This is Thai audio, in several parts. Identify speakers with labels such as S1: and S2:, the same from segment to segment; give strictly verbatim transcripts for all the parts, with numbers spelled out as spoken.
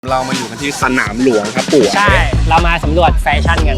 S1: เรามาอยู่กันที่สนามหลวงครับปู่
S2: ใช่เรามาสำรวจแฟชั่นกัน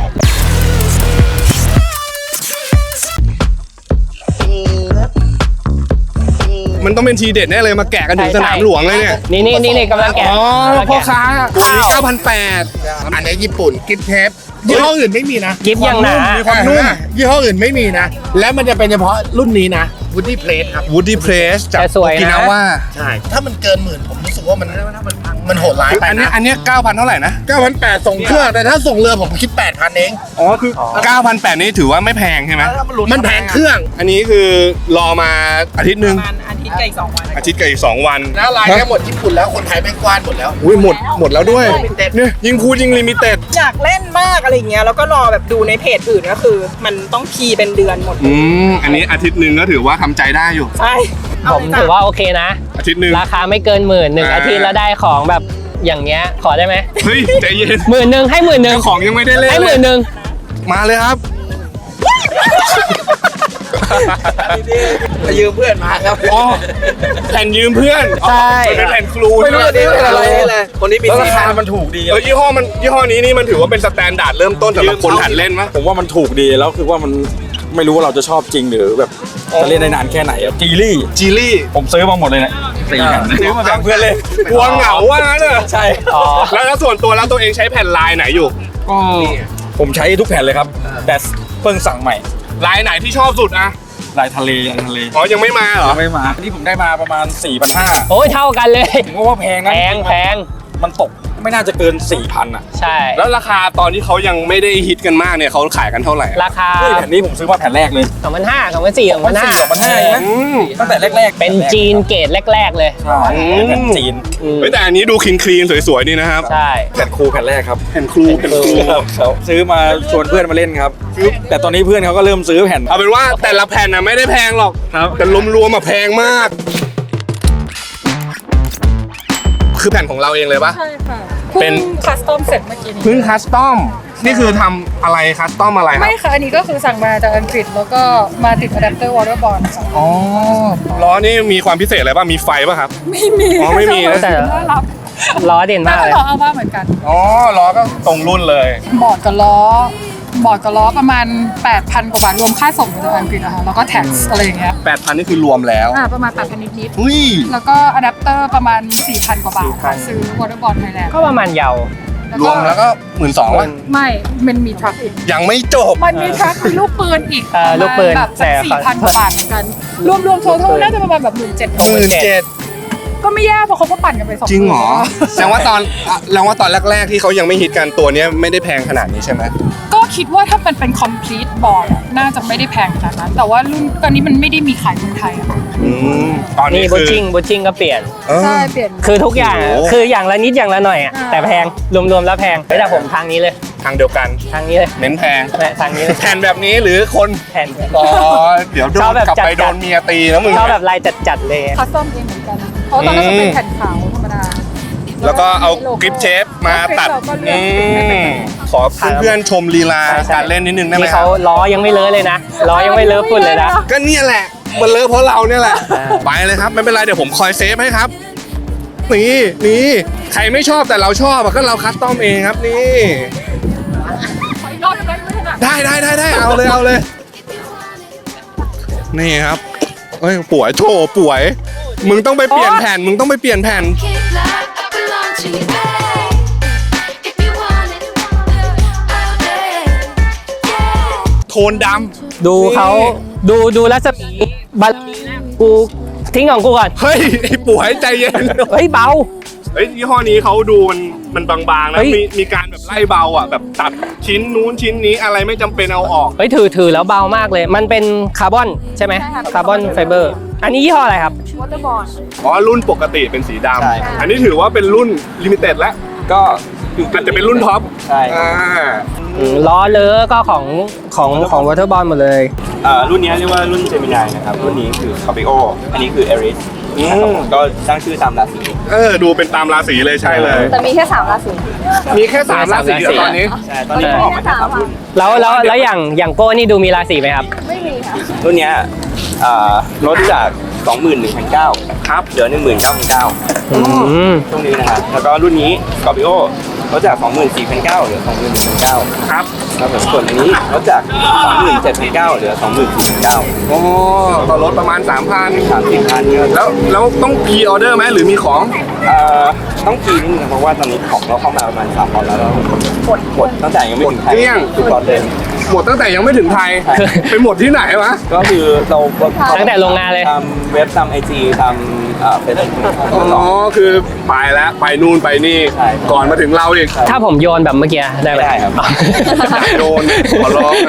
S1: มันต้องเป็นทีเด็ดแน่เลยมาแกะกันถึงสนามหลวงเลยเนี่ย
S2: นี่นี่นี่กำลังแกะ
S1: อ๋อพ่อค้าตัวนี้ เก้าพันแปดร้อย
S3: อันนี้ญี่ปุ่นกิฟเทปยี่ห้ออื่นไม่มีนะ
S2: กิฟต์ยังหนา
S3: มีความนุ่มยี่ห้ออื่นไม่มีนะและมันจะเป็นเฉพาะรุ่นนี้นะวูดดี้เพลสครับ
S1: Woody Press จาก
S2: แต่สวย
S1: โอกิ
S2: นะ
S1: นาว่า
S3: ใช่ถ้ามันเกินหมื่นผมรู้สึกว่ามันมันโหดร้ายไป
S1: อันนี้
S3: นะ
S1: อันนี้เก้าพันเท่าไหร่นะ
S3: เก้าพันแปดส่งเครื่องแต่ถ้าส่งเรือผมคิดแปดพันเอง
S1: อ๋อคือเก้าพันแปดนี่ถือว่าไม่แพงใช่ไหม
S3: มันแพงเครื่อง
S1: อันนี้คือรอมาอาทิตย์หนึ่ง
S4: ประมาณอาทิตย์กับอีกสองวัน
S1: อาทิตย์กับอีกสองวัน
S3: แล้วลายแค่หมดญี่ปุ่นแล้วคนไทยแม่งกว้านหมดแล้ว
S1: อุ้ยหมดหมดแล้วด้วย
S3: Limited
S1: เนี่ยยิงพูดยิงลิมิเต็ด
S4: อยากเล่นมากอะไรอย่างเงี้ยแล้วก็รอแบบดูในเพจอื่นก็คือ มันต้องคีย์เป็นเดือนหมด
S1: อืมอันนี้อาทิตย์หนึ่งก็ถือว่าทำใจได้อยู่
S4: ใช่
S2: ผมถือว่าโอเคนะ
S1: อาทิตย์หนึ่ง
S2: ราคาไม่เกินหมื่นหนึ่ง
S1: อ่า
S2: อาทิตย์แล้วได้ของแบบอย่างเงี้ยขอได้ไหม
S1: เฮ้ยใจเย็น
S2: หมื่นหนึ่งให้หมื่นหนึ่ง
S1: เจ้าของยังไม่ได้เล่น
S2: ให้หมื่นหนึ่ง
S1: มาเลยครับ
S3: ยืมเพื่อนมาครับ
S1: อ๋อแผ่นยืมเพื่อน
S2: ใช่
S1: มันเป็นแผ่นครู
S3: ไม่รู้
S1: ใช่
S3: ว่า
S1: ไหม
S3: นี่เป็นอะไรเลยคนนี้มีราคามันถูกดี
S1: เออยี่ห้อมันยี่ห้อนี้นี่มันถือว่าเป็นสแตนดาร์ดเริ่มต้นสำหรับคนหัดเล่นมั้ย
S5: ผมว่ามันถูกดีแล้วคือว่ามันไม่รู้ว่าเราจะชอบจริงหรือแบบจะเล่นได้นานแค่ไหนอะจีลี่
S1: จีลี่
S5: ผมซื้อมาหมดเลยเนี่ยสี่แผ่นซื้อมาแบ่งเพื่อนเลย
S1: กลัวเหงาว่างั้นเนอะ
S5: ใช่
S2: อ๋อ
S1: แล้วแล้วส่วนตัวแล้วตัวเองใช้แผ่นลายไหนอยู่
S5: ก็ผมใช้ทุกแผ่นเลยครับ แต่เพิ่งสั่งใหม่
S1: ลายไหนที่ชอบสุดอะ
S5: ลายทะเลลายทะเล
S1: อ๋อยังไม่มาเหรอ
S5: ยังไม่มาที่ผมได้มาประมาณ สี่พันห้าร้อย
S2: โอ้ยเท่ากันเลย
S5: ผมก็ว่าแพงนะ
S2: แพงแพง
S5: มันตกไม่น่าจะเกิน สี่พัน อ่ะ
S2: ใช่
S1: แล้วราคาตอนที่เขายังไม่ได้ฮิตกันมากเนี่ยเขาขายกันเท่าไหร่
S2: ราคา
S5: เฮ้ยแผ่นนี้ผมซื้อมาแผ่นแรกเลย
S2: สองพันห้าสองพันสี่สองพันห้า
S5: สองพันห้าเองนะ
S1: อืม
S5: ตั้งแต่แรกๆ
S2: เป็นจีนเกรดแรก ๆ เลย
S5: ใช่แผ่นจีน
S2: อืม
S1: เฮ้ยแต่อันนี้ดูคลีนคลีนสวยๆนี่นะครับ
S2: ใช่
S5: แผ่นครูแผ่นแรกครับ
S1: แผ่นครูแผ่นครู
S5: ครับซื้อมาชวนเพื่อนมาเล่นครับ แต่ตอนนี้เพื่อนเขาก็เริ่มซื้อแผ่น
S1: เอาเป็นว่าแต่ละแผ่นน่ะไม่ได้แพงหรอก
S5: ครับ
S1: แต่รวมๆมาแพงมาก คือแผ่นของเราเองเลยปะ
S4: ใช่ค่ะ
S1: เป็น
S4: คัสตอมเสร็จเมื่อกี้นี้
S1: เพิ่งคัสตอมนี่คือทำอะไรคัสตอมอะไรครับ
S6: ไม่ค่ะ อันนี้ก็คือสั่งมาจากอังกฤษแล้วก็มาติดอะแดปเตอร์วอเตอร์บอลค่ะ
S1: อ๋อล้อนี่มีความพิเศษอะไรป่ะมีไฟป่ะครับ
S6: ไม่มี
S1: อ๋อไม่มีนะ
S2: แต่
S6: น่ารัก
S2: ล้อเด่นมากเลย
S6: ล้อเอาบ้าเหมือนกัน
S1: อ๋อล้อก็ตรงรุ่นเลย
S6: บอร์ดกับล้อ บอร์ดกับล้อประมาณ แปดพัน กว่าบาทรวมค่าส่งจากอังกฤษอะค่ะแล้วก็แท็กซ์อะไรอย่างเงี้ย
S1: แปดพัน นี่คือรวมแล้ว
S6: อ่าประมาณ แปดพัน นิด
S1: อุ้ย
S6: ๆแล้วก็อะแดปเตอร์ประมาณ สี่พัน กว่าบาทค่ะซื้อวอเตอร์บอลไทยแลนด์
S2: ก็ประมาณเยาว
S1: รวมแล้วก็หมื่นสองว่ะ
S6: ไม่ มันมีทรัคอีก
S1: ยังไม่จบ
S6: มันมีทรัคมีลูกปืนอีก
S2: เออลูกปืน
S6: แบบ
S2: แต่
S6: สี่พันกว่าบาทเหมือนกัน รวมรวมๆ total น่าจะประมาณแบบหมื่นเจ็ด
S1: หมื่นเจ็ด
S6: ก็ไม่แย่เพราะเขาก็ปั่นกันไปสอง
S1: จริงเหรอ
S6: มื่น
S1: แสดงว่าตอนแสดงว่าตอนแรก ๆ ที่เขายังไม่ฮิตกันตัวเนี้ยไม่ได้แพงขนาดนี้ใช่ไหม
S6: ก็คิดว่าถ้ามันเป็น complete board อะน่าจะไม่ได้แพงขนาดนั้น แต่ว่ารุ่นตอนนี้มันไม่ได้มีขายเมืองไทยอะ
S1: อืมตอนนี้
S2: นี่บู
S1: คือ
S2: ชิ่งบูชิ่งก็เปลี่ยน
S1: เออ
S6: ใช่เปลี่ยน
S2: คือทุกอย่างอะ
S1: โอ้โห
S2: คืออย่างละนิดอย่างละหน่อยอะ
S6: อ่า
S2: แต่แพงรวมๆแล้วแพงเฮ้ยแต่ผมทางนี้เลย
S1: ทางเดียวกัน
S2: ทางนี้เลย
S1: เน้นแพง
S2: แม่ทางนี้เลย
S1: แผ่นแบบนี้หรือคน
S2: แผ่น
S1: อ๋อเดี๋ยวโด
S2: ชอบ
S1: น
S2: แบบ
S1: กลับไป
S2: จัดๆ
S1: โดนเมียตีแล้วมึง
S2: ชอบแบบลายจัดๆเลย
S6: คัสตอมเองเหมือนกัน เพราะตอนนั้นจะเป็นแผ่นขาวธรรมดา
S1: แล้วก็เอากริปเชฟมาตัด
S6: เราก็เลื
S1: อื
S6: อก
S1: มขอเพื่อนๆชมลีลาการเล่นนิดนึงได้ไหม
S2: นี่
S1: ครั
S2: เขา
S1: บ
S2: ล้อยังไม่เลอะเลยนะล้อยังไม่เลอะฝุ่นเลยนะ
S1: ก็เนี่ยแหละ มันเลอะเพราะเราเนี่ยแหละ
S2: อ่า
S1: ไปเลยครับ ไม่เป็นไร เดี๋ยวผมคอยเซฟให้ครับ นี่นี่ใครไม่ชอบแต่เราชอบอะก็เราคัสตอมเองครับนี่
S6: ขออีกรอบได้ไหมไม่ถนัด
S1: ได้ได้ได้ได้เอาเลยเอาเลย นี่ครับเอ้ยป่วยโถป่วย มึงต้องไปเปลี่ยนแผ่น มึงต้องไปเปลี่ยนแผ่น
S7: Keep like I belong to you, babe. If you want it, I'll take. Yeah.
S1: โทนด
S2: ดูเขาดูดูรัศมีบัลกูทิ้งของกูก่อน
S1: ำเฮ้ยไอ้ป่วยใจเย็น
S2: เฮ้ยเบา
S1: เฮ้ยยี่ห้อนี้เขาดูมันมันบางๆนะ
S2: เฮ้ย
S1: มีมีการแบบไล่เบาอ่ะแบบตัดชิ้นนู้นชิ้นนี้อะไรไม่จำเป็นเอาออก
S2: เฮ้ยถือถือแล้วเบามากเลย มันเป็นคาร์บอนใช่ไหมคาร์บอนไฟเบอร์ อันนี้ยี่ห้ออะไรครับ
S6: วอเตอร์บอล
S1: อ๋อรุ่นปกติเป็นสีด
S5: ใช่
S1: ำอันนี้ถือว่าเป็นรุ่นลิมิเต็ดแล้ว
S5: ก็
S1: อาจจะเป็นรุ่นท็อป
S5: ใช่
S1: อ่า
S2: อืมล้อเลอะก็ของของของวอเตอร์บอลหมดเลย
S8: อ่ารุ่นนี้เรียกว่ารุ่นเจมินายนะครับ รุ่นนี้คือคาปิโออันนี้คือเอริส
S1: อืม
S8: ก็ตั้งชื่อตามราศี
S1: เออดูเป็นตามราศีเลยใช่เลย
S9: แต่มีแค่สามราศี
S1: มีแค่สามราศีอะตอนนี้
S8: ใช่ ตอนนี้เขาออกมาแค่สามรุ่น
S2: แล้วแล้วแล้วอย่างอย่างโก้นี่ดูมีราศีไหมครับ
S9: ไม่มีค่ะ
S8: รุ่นเนี้ยอ่ารถจากสองหมื่นหนึ่งพันเก้าครับเหลือหนึ่งหมื่นเก้าพันเก้า
S2: อืม
S8: ช่วงนี้นะครับแล้วก็รุ่นนี้ Scorpio ลดจาก สองหมื่นสี่พันเก้าเหลือ สองหมื่นหนึ่งพันเก้า
S1: ครับ
S8: ครับผมส่วนอันนี้ลดจาก สองหมื่นเจ็ดพันเก้าเหลือ สองหมื่นสี่พันเก้า
S1: โอ้ต่อรถประมาณ สามพัน
S8: สามสิบพันครับ
S1: แล้วแล้วต้องพรีออเดอร์ไหมหรือมีของ
S8: เอ่อต้องคีย์นิดนึงเพราะว่าตอนนี้ของเราเข้ามาประมาณสามร้อยแล้วแล้วหมดหมดตั้งแต่ยังไม่ถึงไทย
S1: หมดเกลี้ยง
S8: ทุกตอนเลย
S1: หมดตั้งแต่ยังไม่ถึงไทย ไปหมดที่ไหนวะ
S8: ก็คือเรา
S2: ตั้งแต่โรงงานเลย
S8: ทำเว็บทำไอจีทำเฟซบุ๊ก
S1: อ๋อ คือไปแล้ว ไปนู่นไปนี่
S8: ใช่
S1: ก่อนมาถึงเราอีก
S2: ถ้าผมโยนแบบเมื่อกี้ได้ไหม
S8: ไม่ได้ครับ
S1: อยากโดนขอร้องนะ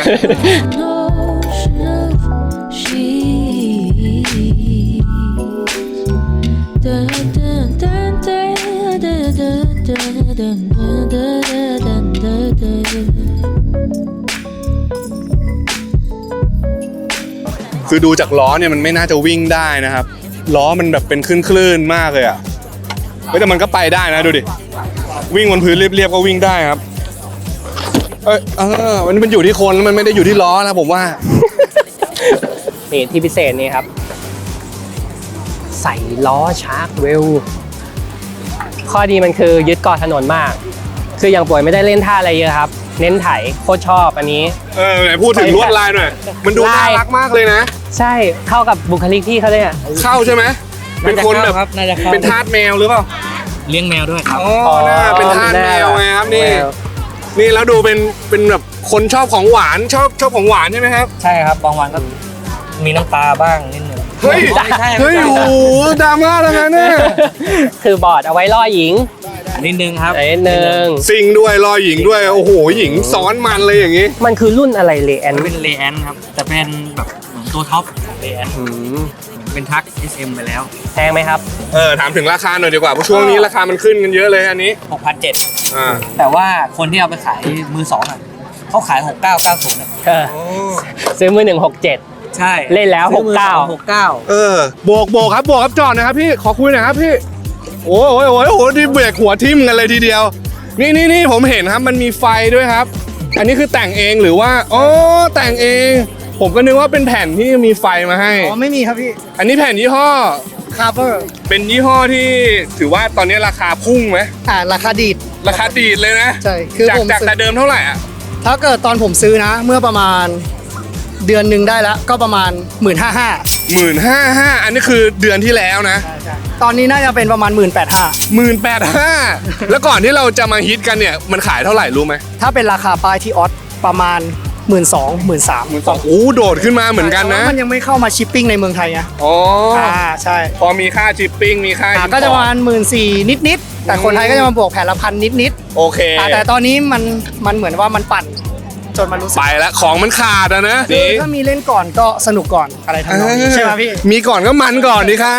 S1: คือดูจากล้อเนี่ยมันไม่น่าจะวิ่งได้นะครับ ล้อมันแบบเป็นคลื่นๆมากเลยอ่ะเฮ้ยแต่มันก็ไปได้นะดูดิ วิ่งบนพื้นเรียบๆก็วิ่งได้ครับ เอยเออมันมันอยู่ที่คนแล้วมันไม่ได้อยู่ที่ล้อนะผมว่า
S2: นี่ที่พิเศษนี่ครับ ใส่ล้อชาร์กเวลข้อดีมันคือยึดเกาะถนนมาก คืออย่างป่วยไม่ได้เล่นท่าอะไรเยอะครับ เน้นไถโคตรชอบอันนี้
S1: เออไหนพูดถึงลวดลายหน่อย มันดูน่ารักมากเลยนะ
S2: ใช่เข้ากับบุคลิกพี่เขาเลยอ่ะ
S1: เข้าใช่ไหมเป็นคนแบบ
S2: น่าจะเข้า
S1: เป็นทาสแมวหรือเปล่า
S9: เลี้ยงแมวด้วยครับ
S1: อ๋อน่าเป็นทาสแมวไงครับนี่
S2: แมว
S1: นี่แล้วดูเป็นเป็นแบบคนชอบของหวานชอบชอบของหวานใช่ไหมครับ
S9: ใช่ครับบางวันก็มีน้ำตาบ้างนิดหนึ่ง
S1: เฮ้ย
S9: ไม่ใช่
S1: เฮ้ย
S9: ไม่
S1: โอ้
S9: ใช่
S1: โหดราม่าแล้วนะเนี่ย
S2: คือบอร์ดเอาไว้ล่อหญิง
S9: นิดนึงครับ
S2: นิดนึง
S1: ซิงด้วยรอหญิงด้วยโอ้โหหญิงซ้อนมันเลยอย่างนี้
S2: มันคือรุ่นอะไรเลแอน
S9: เป็นเลแอนครับ แต่เป็นแบบเหมือนตัวท็อปของเลแอนเป็นทัก เอส เอ็ม ไปแล้ว
S2: แพงไหมครับ
S1: เออถามถึงราคาหน่อยดีกว่าเพราะช่วงนี้ราคามันขึ้นกันเยอะเลยอันนี้
S9: หกพันเจ็ด
S1: อ่า
S9: แต่ว่าคนที่เอาไปขายมือสองอ่ะเขาขาย หกเก้าเก้าศูนย์อ่ะ
S2: เออซื้อมือหนึ่งหกเจ็ด
S9: ใช่
S2: เล่นแล้ว
S9: ซื้อมือสอง
S2: หกเก้า
S9: หกเก้า
S1: เออโบกโบกครับโบกครับจอดหนะครับพี่ขอคุยหน่อยครับพี่โอ้ยโอ้ยโอ้ยโอ้ยนี่เบรกหัวทิ่มกันเลยทีเดียว นี่นี่นี่ผมเห็นครับมันมีไฟด้วยครับ อันนี้คือแต่งเองหรือว่าอ๋อแต่งเอง ผมก็นึกว่าเป็นแผ่นที่มีไฟมาให้
S3: อ๋อไม่มีครับพี่
S1: อันนี้แผ่นยี่ห้อ
S3: คาร์เบอร์
S1: เป็นยี่ห้อที่ถือว่าตอนนี้ราคาพุ่งไหม
S3: อ่าราคาดีด
S1: ราคาดีดเลยนะ
S3: ใช่คือ
S1: จาก
S3: ผม
S1: จาก
S3: ซื้อ
S1: แต่เดิมเท่าไหร่อ่ะ
S3: ถ้าเกิดตอนผมซื้อนะ เมื่อประมาณเดือนหนึ่งได้แล้วก็ประมาณหมื่นห้าห้า
S1: หมื่นห้าห้าอันนี้คือเดือนที่แล้วนะ
S3: ตอนนี้น่าจะเป็นประมาณหมื่นแปดห้า
S1: หมื่นแปดห้าแล้วก่อนที่เราจะมาฮิตกันเนี่ยมันขายเท่าไหร่รู้ไหม
S3: ถ้าเป็นราคาป้ายที่ออสประมาณหมื่นสองหมื่นสาม
S1: สองโอ้โดดขึ้นมาเหมือนกันนะ
S3: มันยังไม่เข้ามาชิปปิ้งในเมืองไทยไง
S1: อ๋อ
S3: อ่าใช่
S1: พอมีค่าชิปปิ้งมีค่า
S3: อ่า
S1: import
S3: ก็จะประมาณหมื่นสี่นิดนิดๆแต่คนไทยก็จะมาบวกแผ่นละพันนิดนิด
S1: โอเค
S3: ๆอ่าแต่ตอนนี้มันมันเหมือนว่ามันปั่นจนมันรู้สึก
S1: ไปแล้วของมันขาดอะนะ
S3: คือถ้ามีเล่นก่อนก็สนุกก่อนอะไรทำนองนี้ใช่ไหมพี่
S1: มีก่อนก็มันก่อนดีครับ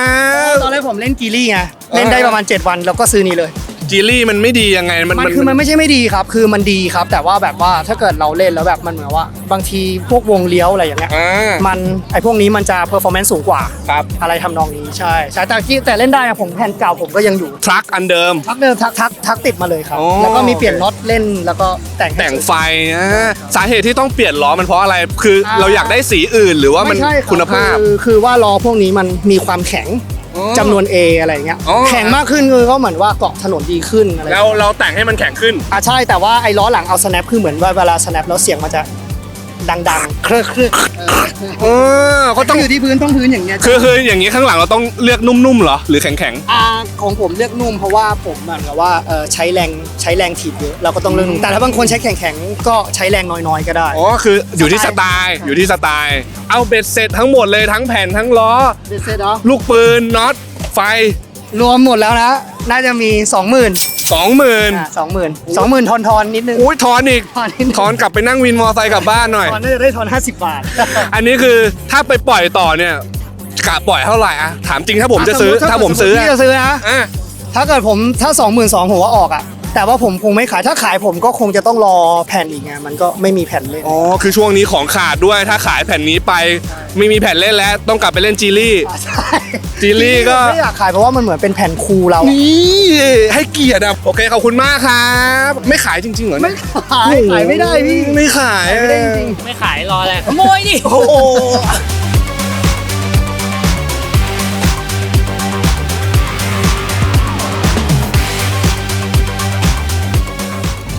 S3: ตอนแรกผมเล่นกีรี่ไงเล่นได้ประมาณเจ็ดวันแล้วก็ซื้อนี่เลย
S1: จีลี่มันไม่ดียังไงมัน
S3: มันคือมันไม่ใช่ไม่ดีครับ คือมันดีครับ แต่ว่าแบบว่าถ้าเกิดเราเล่นแล้วแบบมันเหมือนว่า บางทีพวกวงเลี้ยวอะไรอย่างเงี้ย
S1: อ่า
S3: มันไอพวกนี้มันจะเพอร์ฟอร์แมนซ์สูงกว่า
S1: ครับ
S3: อะไรทำนองนี้ใช่ใช่แต่ที่แต่เล่นได้อะผมแผ่นเก่าผมก็ยังอยู่
S1: ทรัคอันเดิม
S3: ทักเดิมทักทักทักติดมาเลยครับ
S1: โอ้
S3: แล้วก็มีเปลี่ยนน็อตเล่นแล้วก็แต่งให้
S1: แต่ง
S3: สวย
S1: ไฟอ่าสาเหตุที่ต้องเปลี่ยนล้อมันเพราะอะไรคือ
S3: อ่า
S1: เราอยากได้สีอื่นหรือว่ามัน
S3: ไใช่รับ
S1: คุณภาพ
S3: คือคือว่าล้อพวกนี้มันมีความแข็ง
S1: อ๋อ
S3: จำนวน A อะไรอย่างเงี้ย
S1: อ๋อ
S3: แข็งมากขึ้นคือก็เหมือนว่าเกาะถนนดีขึ้นอะไร
S1: แล้วเราแต่งให้มันแข็งขึ้น
S3: อ่ะใช่แต่ว่าไอ้ล้อหลังเอา snap คือเหมือนว่าเวลา snap แล้วเสียงมันจะดังๆเครือเครือเออ
S1: เออก็ต้อง
S3: อยู่ที่พื้นต้องพื้นอย่างเงี้ย
S1: คือคืออย่างนี้ข้างหลังเราต้องเลือกนุ่มๆเหรอหรือแข็ง
S3: อ่าของผมเลือกนุ่มเพราะว่าผมเหมือนกับว่าเออใช้แรงใช้แรงถีบเยอะเราก็ต้องเลือกนุ่มแต่ถ้าบางคนใช้แข็งๆก็ใช้แรงน้อยๆก็ได้
S1: ๆอ๋อคืออยู่ที่สไตล์อยู่ที่สไตล์เอาเบ็ดเสร็จทั้งหมดเลยทั้งแผ่นทั้งล้อ
S3: เด็ดเสร็จเนาะ
S1: ลูกปืนน็อตไฟ
S3: รวมหมดแล้วนะน่าจะมีสองหมื่น
S1: สองหมื่น
S3: อ่าสองหมื่นสองหมื่นทอนทอนๆนิดนึง
S1: อุ้ยทอนอีก
S3: ทอนนิดนึง
S1: ทอนกลับไปนั่งวินมอไซค์กลับบ้านหน่อย
S3: ทอนน่าจะได้ทอนห้าสิบบาท
S1: อันนี้คือถ้าไปปล่อยต่อเนี่ยกะปล่อยเท่าไหร่อะถามจริงถ้าผมจะซื้อ
S3: อ่ะ
S1: ถ้าผมซื้อ
S3: พี่จะซื้อนะ
S1: อ่ะ
S3: ถ้าเกิดผมถ้าสองหมื่นสองผมว่าออกอ่ะแต่ว่าผมคงไม่ขายถ้าขายผมก็คงจะต้องรอแผ่นอีกไงมันก็ไม่มีแผ่นเล่น
S1: อ๋อคือช่วงนี้ของขาดด้วยถ้าขายแผ่นนี้ไปไม่มีแผ่นเล่นแล้วต้องกลับไปเล่นจีลี่
S3: ใช่
S1: จีลี่ก็
S3: ไม่อยากขายเพราะว่ามันเหมือนเป็นแผ่นคูลเราอะ
S1: นี่ให้เกียรติอะโอเคขอบคุณมากครับไม่ขายจริงๆเหรอ
S3: ไม่
S1: เนี่ย
S3: ขายขายไม่ได้พี่
S1: ไม่ขาย
S3: ขายไม่ได้จริง
S2: ไม่ขายรออะไรขโมยดิ
S1: โอ้โห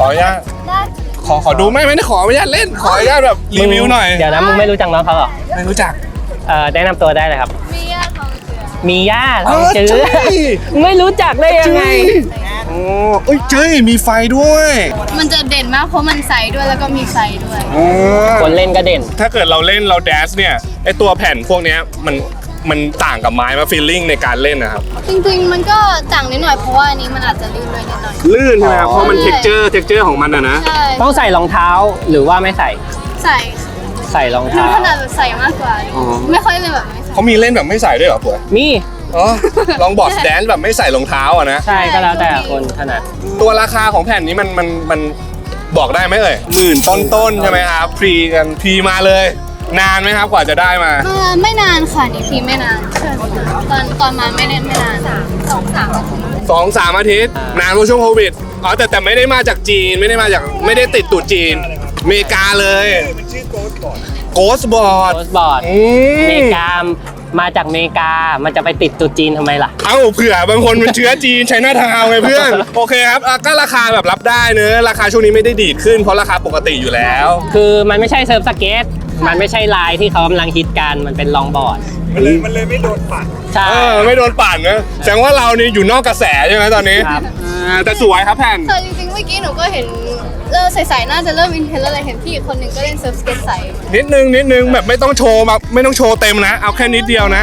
S1: อนุญาตขอขอดูไม่ไม่ได้ขออนุญาตเล่นขออนุญาตแบบรีวิวหน่อย
S2: เดี๋ยวนะมึงไม่รู้จักน้องเขาเหรอ
S1: ไม่รู้จัก
S2: เอ่อแนะนำตัวได้เลยครับ
S7: มีญาติของเจือ
S2: มีย่าท
S1: เอ
S2: อง
S1: อ
S2: จื้อ
S1: ใช่
S2: ไม่รู้จักได้ยังไง
S1: โอ้เอ้ยเจ้ยมีไฟด้วย
S7: มันจะเด่นมากเพราะมันใสด้วยแล้วก็มีไฟด้วย
S1: อ๋อ
S2: คนเล่นก็เด่น
S1: ถ้าเกิดเราเล่นเราแดชเนี่ยไอตัวแผ่นพวกเนี้ยมันมันต่างกับไม้มาฟีลลิ่งในการเล่นนะครับ
S7: จริงๆมันก็ต่างนิดหน่อยเพราะว่าอันนี้มันอาจจะลื่นด้วยนิดหน่อย
S1: ลื่นใช่ไหมครับ
S2: อ๋อ
S1: เพราะมันเท็กเจอร์เท็กเจอร์ของมันอะนะ
S7: ใช่
S2: ต้องใส่รองเท้าหรือว่าไม่ใส่
S7: ใส่
S2: ใส่รอง
S7: หนู
S2: เท้า
S7: ถนัดแบบใส่มากกว่า
S1: อ๋อ
S7: ไม่ค่อยเลยแบบไม่ใส่
S1: เขามีเล่นแบบไม่ใส่ด้วยเหรอป่วย
S2: มี
S1: อ๋อลองบอร์ดแดนซ์แบบไม่ใส่รองเท้าอะนะ
S2: ใช่ก็แล้วแต่คนถนัด
S1: ตัวราคาของแผ่นนี้มันมันมันบอกได้ไหมเอ่ยหมื่นต้นๆใช่ไหมครับพรีกันพรีมาเลย นานไหมครับกว่าจะได้มา
S7: เออไม่นานค่ะนี่ทีไม่นานใช่ตอนตอนมาไม่ได้ไม่นานสองสามอาทิตย์
S1: สองสามอาทิตย์นานเพราะช่วงโควิดอ๋อแต่แต่ไม่ได้มาจากจีนไม่ได้มาจากไม่ได้ติดตู่จีนอเมริกาเลยโกสบอร์ด
S2: โพสบอร์ด
S1: อื
S2: อเม
S1: ม
S2: ริกามาจากอเมริกามันจะไปติดตุจีนทำไมล่ะ
S1: เอ้าเผื่อบางคนมันเชื้อจีนใช้หน้าทาวน์ไงเพื่อน โอเคครับอ่ะก็ราคาแบบรับได้เนอะราคาช่วงนี้ไม่ได้ดีดขึ้นเพราะราคาปกติอยู่แล้ว
S2: คือมันไม่ใช่เซิร์ฟสเก็ตมันไม่ใช่ลายที่เขากำลังฮิตกันมันเป็นลองบอร์ด
S1: มันเลยมันเลยไม่โดนปั่น
S2: ใช่
S1: เออไม่โดนปั่นนะแสดงว่าเรานี่อยู่นอกกระแสใช่ไหมตอนนี้
S2: ครับ
S1: อ่าแต่สวยครับแผ่น
S7: แต่จริงๆเมื่อกี้หนูก็เห็นเริ่มใสๆน่าจะเริ่มอินเทนแล้วเลยเห็นพี่อีกคนหนึ่งก็เล่นเซิร์ฟสเก็ตใส
S1: นิดนึงนิดนึงแบบไม่ต้องโชว์แบบไม่ต้องโชว์เต็มนะ เอาแค่นิดเดียวนะ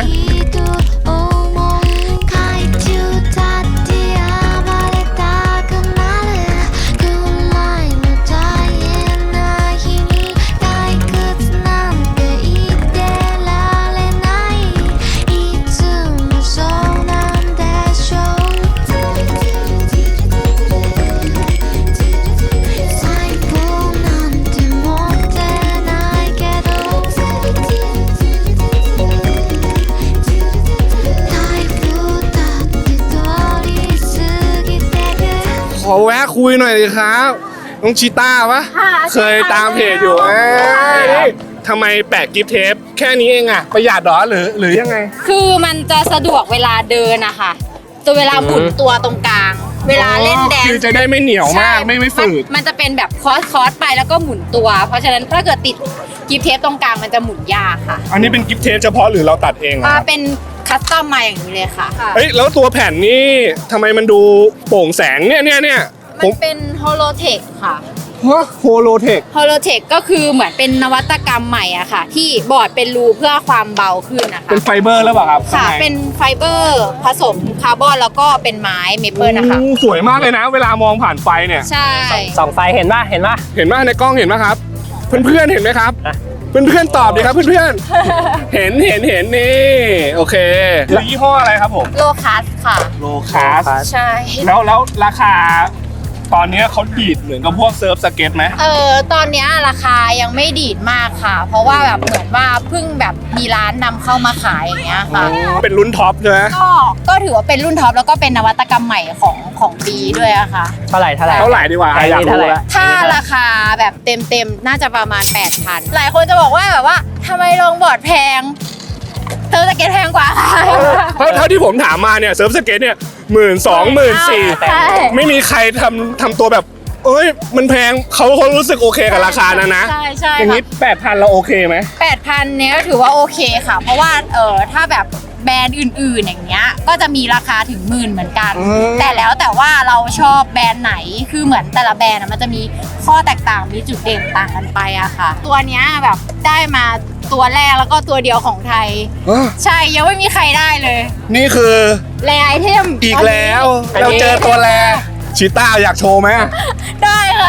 S1: ขอแวะคุยหน่อยเลยครับน้องชิต้าปะเคยตามเพจอยู่เอ้ยทำไมแปะกิฟต์เทปแค่นี้เองอะประหยัดเหรอหรือหรือยังไง
S10: คือมันจะสะดวกเวลาเดินอะค่ะตัวเวลาหมุนตัวตรงกลาง เวลาเล่นแดน
S1: คือจะได้ไม่เหนียวมากไม่ไม่ฝืด
S10: มันจะเป็นแบบคอสคอสไปแล้วก็หมุนตัว เพราะฉะนั้นถ้าเกิดติดกิฟเทปตรงกลางมันจะหมุนยากค่ะ
S1: อันนี้เป็นกิฟต์เทปเฉพาะหรือเราตัดเองอะ
S10: อ่า
S1: ครับ
S10: เป็นคัสตอมมาอย่างนี้เลยค่ะ
S1: เฮ้ยแล้วตัวแผ่นนี่ทำไมมันดูโปร่งแสงเนี่ยเนี่ยเนี่ยผ
S10: มัน
S1: ม
S10: เป็นโฮโลเทคค่ะ
S1: ฮะโฮโลเทค
S10: โฮโลเทคก็คือเหมือนเป็นนวัตกรรมใหม่อะค่ะ ที่บอร์ดเป็นรูเพื่อความเบาขึ้นนะคะ
S1: เป็นไฟเบอร์แล้วเปล่าครับ
S10: ค่ะ
S1: ข้างใ
S10: เป็นไฟเบอร์ผสมคาร์บอนแล้วก็เป็นไม้เมเปิลนะคะ
S1: โอ้สวยมากเลยนะ เวลามองผ่านไฟเนี่ย
S10: ใช่
S2: สองไฟเห็นป่ะเห็นป่ะ
S1: เห็นไหมในกล้องเห็นไหมครับ เพื่อนๆเห็นไหมครับ
S2: อ่ะ
S1: เพื่อนๆตอบดิครับเพื่อนๆ เห็นเห็นเห็นนี่โอเคแล้วยี่ห้ออะไรครับผม
S10: โลคัสค่ะ
S1: โลคาส
S10: ใช่
S1: แล้วแล้วราคาตอนนี้เขาดีดเหมือนกับพวกเซิร์ฟสเก็ตไหม
S10: เออตอนเนี้ยราคายังไม่ดีดมากค่ะ เพราะว่าแบบเหมือนว่าเพิ่งแบบมีร้านนำเข้ามาขายอย่างเงี้ยค่ะ
S1: เป็นรุ่นท็อปใช่ไหม
S10: ก็ก็ถือว่าเป็นรุ่นท็อปแล้วก็เป็นนวัตกรรมใหม่ของของปีด้วยอะค่ะ
S2: เท่าไหร่เท่าไหร่
S1: เท่าไหร่ดีกว่า
S2: ไอ้นี่
S1: อยากรู้
S2: เท่าไหร่
S1: แล้ว
S10: ถ้าราคาแบบเต็มเต็มๆน่าจะประมาณ แปดพัน หลายคนจะบอกว่าแบบว่าทำไมลงบอร์ดแพงเธอสเก็ตแพงกว่าค่ะ
S1: เพราะเท่าที่ผมถามมาเนี่ยเซิร์ฟสเก็ตเนี่ยหมื่นสองหมื่นสี่
S10: ใช่
S1: ไม่มีใครทำทำตัวแบบเอ้ยมันแพงเขาเขารู้สึกโอเคกับราคานะนะ
S10: ใช่ใช่
S1: อย่างนี้
S10: ค่ะ
S1: แปดพันเราโอเคไหม
S10: แปดพันเนี้ยถือว่าโอเคค่ะ เพราะว่าเออถ้าแบบแบรนด์อื่นๆอย่างเงี้ยก็จะมีราคาถึงหมื่นเหมือนกัน
S1: อืม
S10: แต่แล้วแต่ว่าเราชอบแบรนด์ไหนคือเหมือนแต่ละแบรนด์อะมันจะมีข้อแตกต่างมีจุดเด่นต่างกันไปอะค่ะ ตัวเนี้ยแบบได้มาตัวแรกแล้วก็ตัวเดียวของไทย
S1: อ่ะ
S10: ใช่ยังไม่มีใครได้เลย
S1: นี่คือ
S10: แรไอเทม
S1: อีกแล้ว
S2: อันนี้
S1: เราเจอตัวแรชิต้าอยากโชว์ไหม
S10: ได้ค่ะ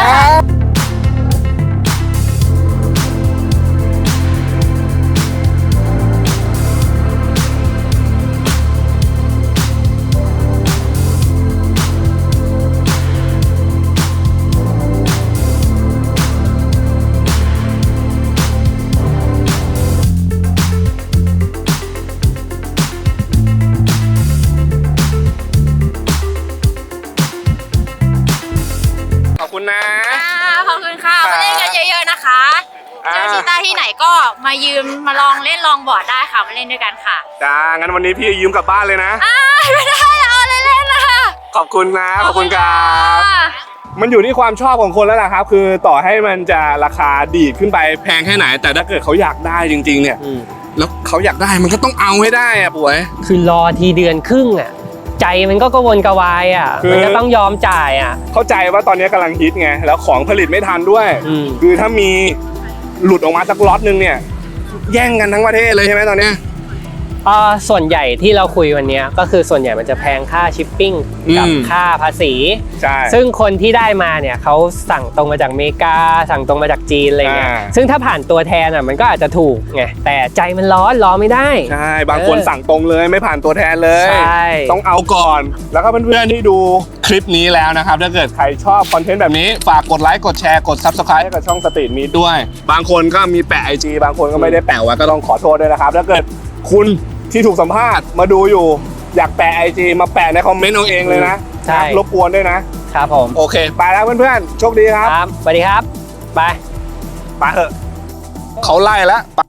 S1: ขอบคุณนะ
S10: ขอบคุณค่ะ มาเล่นกันเยอะๆนะคะ
S1: อ่า
S10: เจอชิต้าที่ไหนก็มายืมมาลองเล่นลองบอร์ดได้ค่ะมาเล่นด้วยกันค่ะ
S1: จ้างั้นวันนี้พี่ยืมกลับบ้านเลยนะ
S10: อ้าไม่ได้เอาเล่นๆนะคะ
S1: ขอบคุณนะ ขอบคุณครับ
S10: ค่ะ
S1: มันอยู่ที่ความชอบของคนแล้วล่ะครับ คือต่อให้มันจะราคาดีดขึ้นไปแพงแค่ไหน แต่ถ้าเกิดเขาอยากได้จริง ๆ เนี่ย
S2: อืม
S1: แล้วเขาอยากได้มันก็ต้องเอาให้ได้อะป่วย
S2: คือรอทีเดือนครึ่งอ่ะใจมันก็กระวนกระวายอ่ะ
S1: คือ
S2: มันก็ต้องยอมจ่ายอ่ะ
S1: เข้าใจว่าตอนนี้กำลังฮิตไงแล้วของผลิตไม่ทันด้วย
S2: อืม
S1: คือถ้ามีหลุดออกมาสักล็อตนึงเนี่ยแย่งกันทั้งประเทศเลยใช่ไหมตอนเนี้ย
S2: เอ่อส่วนใหญ่ที่เราคุยวันเนี้ยก็คือส่วนใหญ่มันจะแพงค่าชิปปิ้งกับ
S1: อืม
S2: ค่าภาษี
S1: ใช่
S2: ซึ่งคนที่ได้มาเนี่ยเขาสั่งตรงมาจากอเมริกา สั่งตรงมาจากจีนอะไรเงี้ย
S1: อ่า
S2: ซึ่งถ้าผ่านตัวแทนอ่ะมันก็อาจจะถูกไงแต่ใจมันร้อนรอไม่ได้
S1: ใช่บางคน
S2: เออ
S1: สั่งตรงเลยไม่ผ่านตัวแทนเลย
S2: ใช่
S1: ต้องเอาก่อน แล้วก็เพื่อนๆที่ดูคลิปนี้แล้วนะครับถ้าเกิดใครชอบคอนเทนต์แบบนี้ฝากกดไลค์กดแชร์กด Subscribe ให้กับช่องสตรีทมีดด้วย บางคนก็มีแปะ ไอ จี บางคนก็ไม่ได้แปะไว้ก็ต้องขอโทษด้วยนะครับถ้าเกิดคุณที่ถูกสัมภาษณ์มาดูอยู่ อยากแปะ ไอ จี มาแปะในคอมเมนต์เอาเองเลยนะ
S2: ใช่
S1: รบกวนด้วยนะครับ
S2: ผม
S1: โอเค ไปแล้วเพื่อนๆโชคดีครับ
S2: ครับสวัสดีครับ ไป
S1: ไปเถอะเขาไล่แล้ว